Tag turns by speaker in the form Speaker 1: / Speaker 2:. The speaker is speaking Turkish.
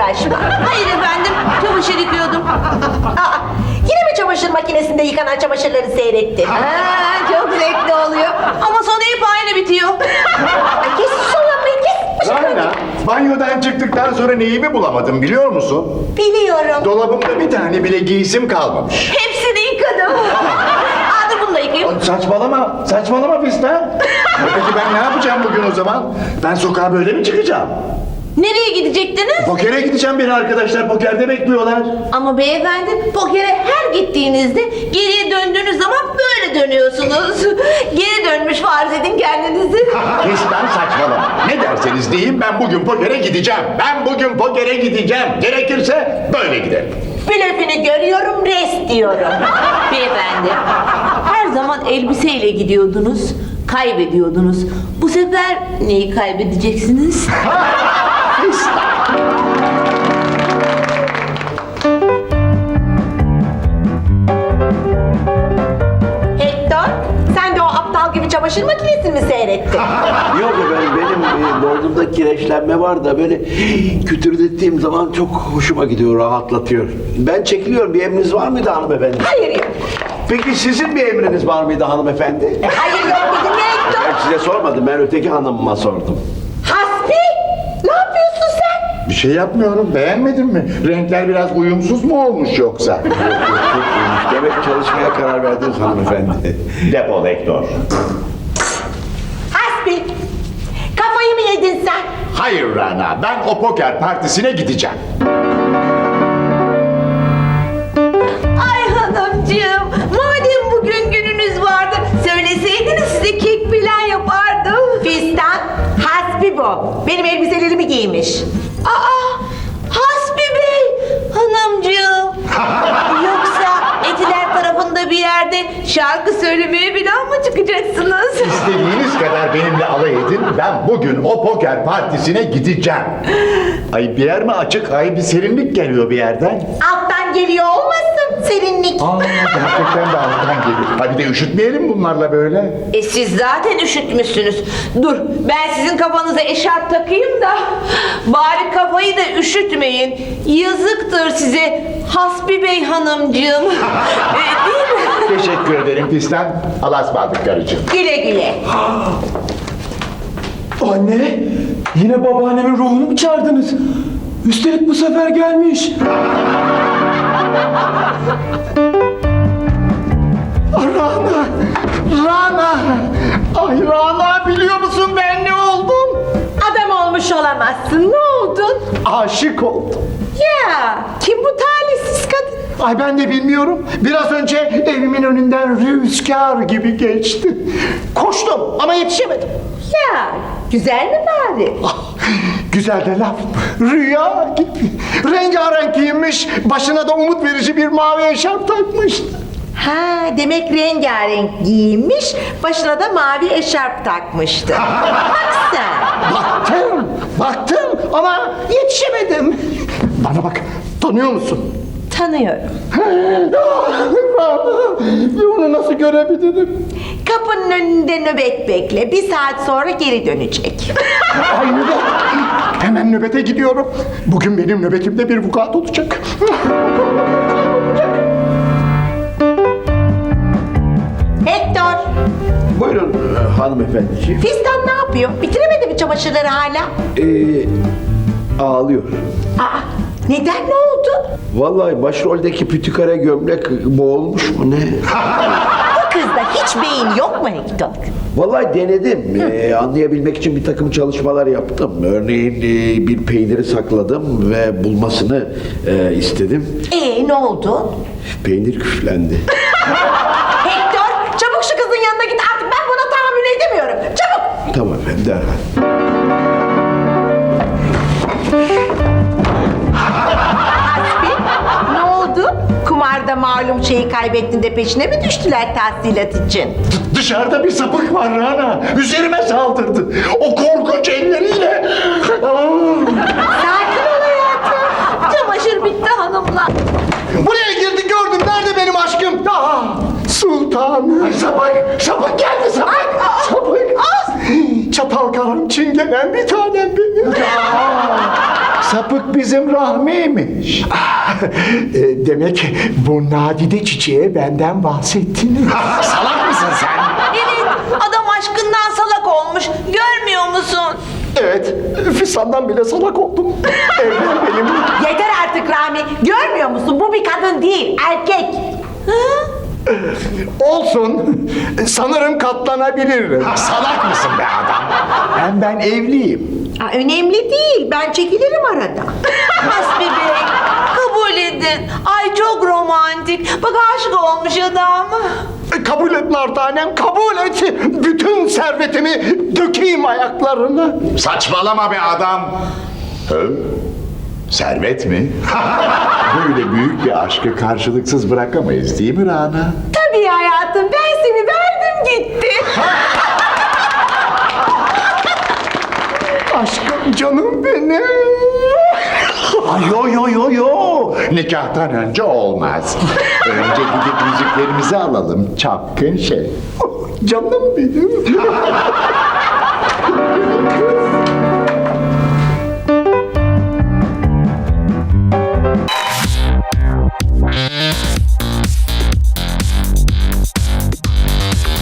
Speaker 1: uğraşma.
Speaker 2: Hayır efendim, çamaşır yıkıyordum.
Speaker 1: Aa, yine mi çamaşır makinesinde yıkanan çamaşırları seyrettin?
Speaker 2: Çok zevkli oluyor. Ama sonu hep aynı bitiyor.
Speaker 1: Ay, kes şu lambayı, kes.
Speaker 3: Rana, banyodan çıktıktan sonra neyimi bulamadım biliyor musun?
Speaker 1: Biliyorum.
Speaker 3: Dolabımda bir tane bile giysim kalmamış.
Speaker 2: Hepsini yıkadım. Aa, dur bunu da yıkayayım.
Speaker 3: Saçmalama Fistan. Peki ben ne yapacağım bugün o zaman? Ben sokağa böyle mi çıkacağım?
Speaker 2: Nereye gidecektiniz?
Speaker 3: Pokere gideceğim, beni arkadaşlar pokerde bekliyorlar.
Speaker 2: Ama beyefendi, pokere her gittiğinizde geriye döndüğünüz zaman böyle dönüyorsunuz. Geri dönmüş farz edin kendinizi.
Speaker 3: Fistan saçmalama. Ne derseniz deyin, ben bugün pokere gideceğim. Gerekirse böyle giderim.
Speaker 1: Blöfünü görüyorum, rest diyorum.
Speaker 2: Beyefendi, her zaman elbiseyle gidiyordunuz, kaybediyordunuz. Bu sefer neyi kaybedeceksiniz?
Speaker 1: Hector, sen de o aptal gibi çamaşır makinesini mi seyrettin?
Speaker 4: Yok efendim, benim boynumda kireçlenme var da böyle kütürdettiğim zaman çok hoşuma gidiyor, rahatlatıyor. Ben çekiliyorum. Bir emriniz var mıydı hanımefendi?
Speaker 1: Hayır yok.
Speaker 4: Peki sizin bir emriniz var mıydı hanımefendi?
Speaker 1: Hayır yok dedim ya Hector.
Speaker 4: Ben size sormadım, ben öteki hanımıma sordum.
Speaker 1: Hasbi, ne yapıyorsun sen?
Speaker 3: Bir şey yapmıyorum, beğenmedin mi? Renkler biraz uyumsuz mu olmuş yoksa?
Speaker 4: Demek çalışmaya karar verdiniz hanımefendi.
Speaker 3: Defol Hector.
Speaker 1: Hasbi, kafayı mı yedin sen?
Speaker 3: Hayır Rana, ben o poker partisine gideceğim.
Speaker 2: Ay hanımcığım, madem bugün gününüz vardı, söyleseydiniz size kek falan yapardım.
Speaker 1: Fistan, Hasbi bu. Benim elbiselerimi giymiş.
Speaker 2: Aa, Hasbi Bey, hanımcığım. Yoksa Etiler tarafında bir yerde şarkı söylemeye falan mı çıkacaksınız?
Speaker 3: İstediğiniz kadar benimle alay edin, ben bugün o poker partisine gideceğim. Ay bir yer mi açık? Ay bir serinlik geliyor bir yerden.
Speaker 1: Alttan geliyor olmasın serinlik.
Speaker 3: Gerçekten de alttan geliyor. Hadi de üşütmeyelim bunlarla böyle.
Speaker 2: Siz zaten üşütmüşsünüz. Dur, ben sizin kafanıza eşarp takayım da bari kafayı da üşütmeyin. Yazıktır size Hasbi Bey hanımcığım. Değil mi?
Speaker 3: Teşekkür ederim Fistan. Allah'a ısmarladık karıcığım.
Speaker 1: Güle güle.
Speaker 5: Anne, yine babaannemin ruhunu mu çağırdınız? Üstelik bu sefer gelmiş.
Speaker 3: Rana! Ay Rana, biliyor musun ben ne oldum?
Speaker 1: Adam olmuş olamazsın. Ne oldun?
Speaker 3: Aşık oldum.
Speaker 1: Ya kim bu talihsiz kadın?
Speaker 3: Ay ben de bilmiyorum. Biraz önce evimin önünden rüzgar gibi geçti. Koştum ama yetişemedim.
Speaker 1: Ya güzel mi bari?
Speaker 3: Güzel de laf. Rüya gibi. Rengarenk giyinmiş, başına da umut verici bir mavi eşarp takmıştı.
Speaker 1: Ha demek rengarenk giyinmiş, başına da mavi eşarp takmıştı. Bak sen.
Speaker 3: Baktım ama yetişemedim. Bana bak, tanıyor musun?
Speaker 1: Tanıyorum.
Speaker 3: Onu nasıl görebilirim?
Speaker 1: Kapının önünde nöbet bekle. Bir saat sonra geri dönecek.
Speaker 3: Ay nöbet. Hemen nöbete gidiyorum. Bugün benim nöbetimde bir vukuat olacak.
Speaker 1: Hector,
Speaker 4: Buyurun hanımefendiciğim.
Speaker 1: Fistan ne yapıyor? Bitiremedi mi çamaşırları hala?
Speaker 4: Ağlıyor.
Speaker 1: Aa, neden, ne oldu?
Speaker 4: Vallahi başroldeki pütükare gömlek boğulmuş mu ne?
Speaker 1: Bu kızda hiç beyin yok mu Hector?
Speaker 4: Vallahi denedim. Anlayabilmek için bir takım çalışmalar yaptım. Örneğin bir peyniri sakladım ve bulmasını istedim.
Speaker 1: Ne oldu?
Speaker 4: Peynir küflendi.
Speaker 1: Hector, çabuk şu kızın yanına git artık, ben buna tahammül edemiyorum. Çabuk!
Speaker 4: Tamam efendim, derhal.
Speaker 1: Hasbi, ne oldu? Kumarda malum şeyi kaybettin de peşine mi düştüler tahsilat için?
Speaker 3: Dışarıda bir sapık var Rana. Üzerime saldırdı. O korkunç elleriyle.
Speaker 1: Sakin ol hayatım.
Speaker 2: Çamaşır bitti hanımlar.
Speaker 3: Buraya girdi, gördüm. Nerede benim aşkım? Sultan. Sapık geldi sapık. Sapık. Çatal karan çingenen bir tanem benim. Sapık bizim Rahmi'ymiş.
Speaker 6: Demek bu nadide çiçeğe benden bahsettin.
Speaker 3: Salak mısın sen?
Speaker 2: Evet, adam aşkından salak olmuş. Görmüyor musun?
Speaker 6: Evet, Füsun'dan bile salak oldum. Evlen benimle.
Speaker 1: Yeter artık Rami. Görmüyor musun? Bu bir kadın değil, erkek.
Speaker 6: Olsun. Sanırım katlanabilirim.
Speaker 3: Salak mısın be adam? Hem ben evliyim.
Speaker 1: Önemli değil. Ben çekilirim arada.
Speaker 2: Hasbi Bey, kabul edin. Ay çok romantik. Bak aşık olmuş adam.
Speaker 6: Kabul et Nartanem, kabul et. Bütün servetimi dökeyim ayaklarına.
Speaker 3: Saçmalama be adam. Servet mi? Böyle büyük bir aşkı karşılıksız bırakamayız değil mi Rana?
Speaker 1: Tabii hayatım. Ben seni verdim gitti.
Speaker 6: Aşkım, canım benim.
Speaker 3: Ay yo. Nikahtan önce olmaz. Önce gidip müziklerimizi alalım. Çapkın şey.
Speaker 6: Canım benim.